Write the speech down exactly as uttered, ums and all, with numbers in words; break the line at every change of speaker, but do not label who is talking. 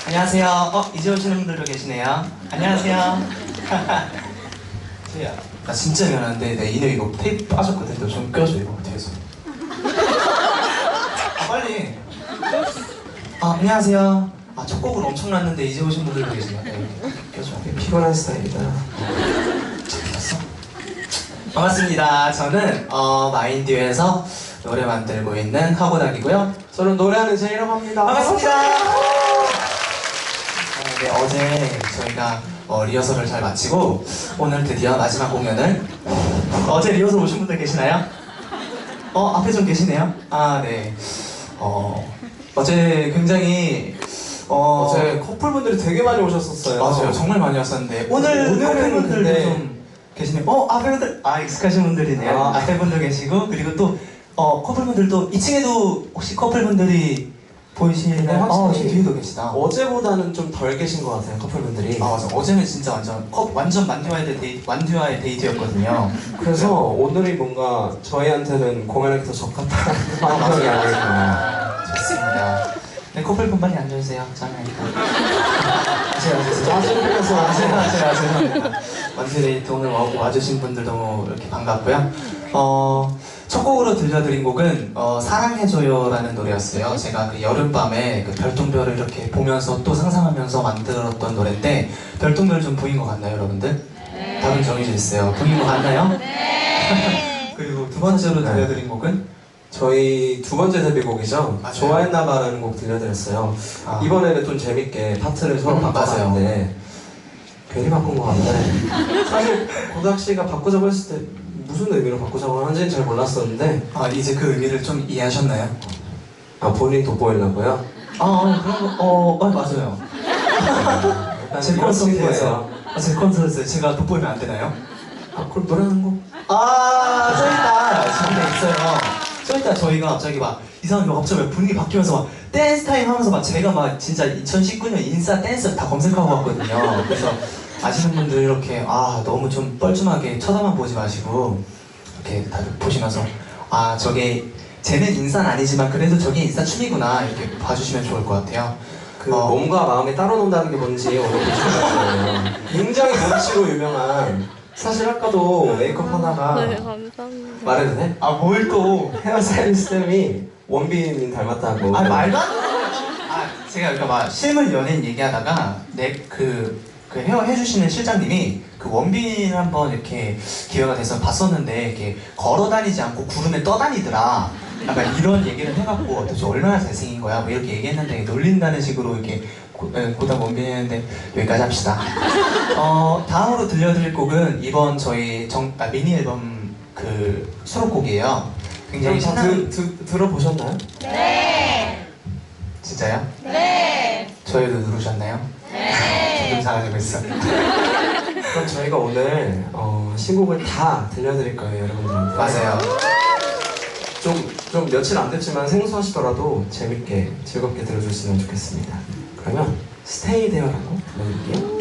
안녕하세요. 어, 이제 오시는 분들도 계시네요. 안녕하세요. 저야, 나 진짜 미안한데 내 인형 이거 테이프 빠졌거든. 너 좀 껴줘 이거 뒤에서. 아, 빨리. 아, 안녕하세요. 아, 첫 곡을 엄청 났는데 이제 오신 분들도 계시네요. 네, 껴줘.
피곤한 스타일이다.
잘했어. 반갑습니다. 저는 어, 마인듀에서 노래 만들고 있는 하고닥이고요.
저는 노래하는 제이라고 합니다.
반갑습니다. 네, 어제 저희가 어, 리허설을 잘 마치고 오늘 드디어 마지막 공연을 어제 리허설 오신 분들 계시나요? 어, 앞에 좀 계시네요. 아, 네. 어, 어제 굉장히 어,
어제 커플분들이 되게 많이 오셨었어요.
맞아요. 정말 많이 왔었는데 오늘
오늘은
커플분들도
근데-
좀 계시네요. 어, 앞에 분들 아 익숙하신 분들이네요.
아.
앞에 분들 계시고 그리고 또 어, 커플분들도 이 층에도 혹시 커플분들이 보이시나요?
네, 확실히.
어, 지금 뒤에도 계시다.
어제보다는 좀 덜 계신 것 같아요, 커플분들이.
아 맞아. 어제는 진짜 완전 컵 완전 만듀와의 데이 완듀와의 데이트였거든요.
그래서 오늘이 뭔가 저희한테는 공연하기 더 적합한 환경이 아닐까.
좋습니다. 네, 커플분 빨리 앉아주세요. 짱이니까. 제가 제가
짜증내서
아, 제가 제가 죄송합니다. 완듀 데이트 오늘 와, 와주신 분들 너무 이렇게 반갑고요. 어, 첫 곡으로 들려드린 곡은 어, 사랑해줘요라는 노래였어요. 제가 그 여름밤에 그 별똥별을 이렇게 보면서 또 상상하면서 만들었던 노래인데 별똥별 좀 보인 것 같나요, 여러분들? 네. 답은 정해져 있어요. 보인 것 같나요? 네. 그리고 두 번째로
네.
들려드린 곡은
저희 두 번째 데뷔곡이죠.
맞아요.
좋아했나봐라는 곡 들려드렸어요.
아.
이번에는 좀 재밌게 파트를 서로
음,
바꿔봤는데 괜히 바꾼 것 같네. 사실 고닥 씨가 바꾸자고 했을 때 무슨 의미로 바꾸자고 하는지는 잘 몰랐었는데
아, 이제 그 의미를 좀 이해하셨나요?
아 본인 돋보이려고요?
아, 어, 그런 거, 어, 어 맞아요. 제
이런
콘서트예요.
친구예요.
아, 제 콘서트에 제가 돋보이면 안 되나요?
아 그럼 노래 하는 곡?
아, 저있다. 저기다 있어요. 저있다. 저희가 갑자기 막 이상하게 막 갑자기 분위기 바뀌면서 막 댄스 타임 하면서 막 제가 막 진짜 이천십구 년 인싸 댄스 다 검색하고 왔거든요. 그래서 아시는 분들 이렇게 아 너무 좀 뻘쭘하게 쳐다만 보지 마시고 이렇게 다들 보시면서 아 저게 쟤는 인싸는 아니지만 그래도 저게 인싸 춤이구나 이렇게 봐주시면 좋을 것 같아요.
그
어.
몸과 마음이 따로 논다는 게 뭔지 오늘 보시면 굉장히 몸치로 유명한 사실 아까도 메이크업 하다가
네, 감사합니다.
말해도 돼?
아 뭘 또?
헤어스타일리스트님이 원빈님 닮았다고.
아 말도 안 돼. 아 제가 그러니까 막 실물 연예인 얘기하다가 내그 그 헤어 해주시는 실장님이 그 원빈 한번 이렇게 기회가 돼서 봤었는데 이렇게 걸어 다니지 않고 구름에 떠다니더라. 약간 이런 얘기를 해갖고 도대체 얼마나 잘생긴 거야? 뭐 이렇게 얘기했는데 놀린다는 식으로 이렇게 고, 에, 고다 원빈 했는데 여기까지 합시다. 어 다음으로 들려드릴 곡은 이번 저희 정, 아, 미니 앨범 그 수록곡이에요. 굉장히
다
신나는
드, 드, 들어보셨나요?
네.
진짜요?
네.
저희도 누르셨나요?
네.
지금 잘하고 있어.
그럼 저희가 오늘 어, 신곡을 다 들려드릴 거예요, 여러분들한테.
맞아요.
좀, 좀 며칠 안 됐지만 생소하시더라도 재밌게, 즐겁게 들어주시면 좋겠습니다. 그러면 스테이 데어라고 불러드릴게요.